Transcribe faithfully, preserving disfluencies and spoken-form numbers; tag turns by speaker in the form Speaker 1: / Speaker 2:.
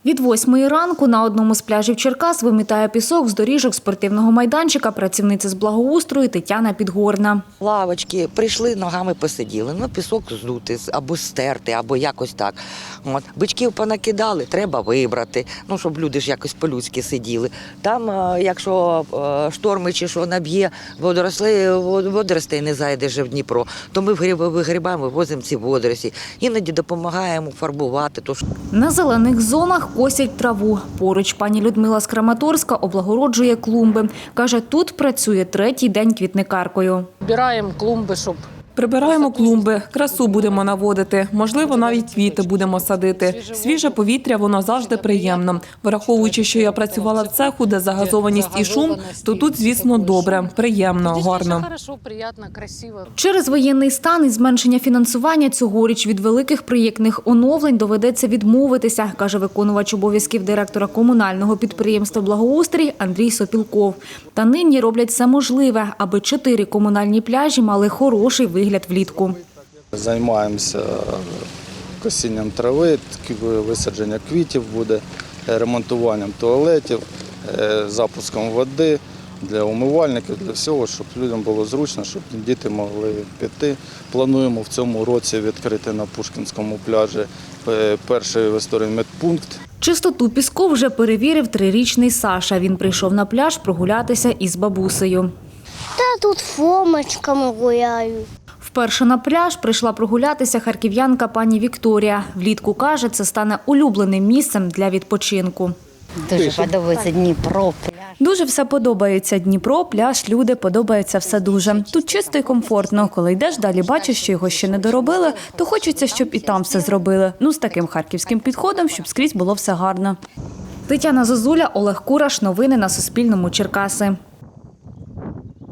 Speaker 1: Від восьмої ранку на одному з пляжів Черкас вимітає пісок з доріжок спортивного майданчика працівниця з благоустрою Тетяна Підгорна.
Speaker 2: Лавочки, прийшли, ногами посиділи, ну пісок здути або стерти, або якось так. От. Бичків понакидали, треба вибрати, ну щоб люди ж якось по-людськи сиділи. Там, якщо шторми чи що наб'є, водоросли, водоростей не зайде вже в Дніпро, то ми вигрібаємо, вивозимо ці водорості. Іноді допомагаємо фарбувати.
Speaker 1: На зелених зонах косять траву. Поруч пані Людмила з Краматорська облагороджує клумби. Каже, тут працює третій день квітникаркою.
Speaker 3: Збираємо клумби, щоб...
Speaker 4: Прибираємо клумби, красу будемо наводити, можливо, навіть квіти будемо садити. Свіже повітря, воно завжди приємно. Враховуючи, що я працювала в цеху, де загазованість і шум, то тут, звісно, добре, приємно, гарно.
Speaker 1: Через воєнний стан і зменшення фінансування цьогоріч від великих проєктних оновлень доведеться відмовитися, каже виконувач обов'язків директора комунального підприємства «Благоустрій» Андрій Сопілков. Та нині роблять все можливе, аби чотири комунальні пляжі мали хороший вигляд влітку.
Speaker 5: Займаємося косінням трави, висадження квітів буде, ремонтуванням туалетів, запуском води для умивальників, для всього, щоб людям було зручно, щоб діти могли піти. Плануємо в цьому році відкрити на Пушкінському пляжі перший в історії медпункт.
Speaker 1: Чистоту піску вже перевірив трирічний Саша. Він прийшов на пляж прогулятися із бабусею.
Speaker 6: Та тут фомочками гуляю.
Speaker 1: Вперше на пляж прийшла прогулятися харків'янка пані Вікторія. Влітку, каже, це стане улюбленим місцем для відпочинку.
Speaker 7: Дуже подобається Дніпро, пляж.
Speaker 1: Дуже все подобається. Дніпро, пляж, люди, подобається все дуже. Тут чисто і комфортно. Коли йдеш, далі бачиш, що його ще не доробили, то хочеться, щоб і там все зробили. Ну, з таким харківським підходом, щоб скрізь було все гарно. Тетяна Зозуля, Олег Кураш. Новини на Суспільному. Черкаси.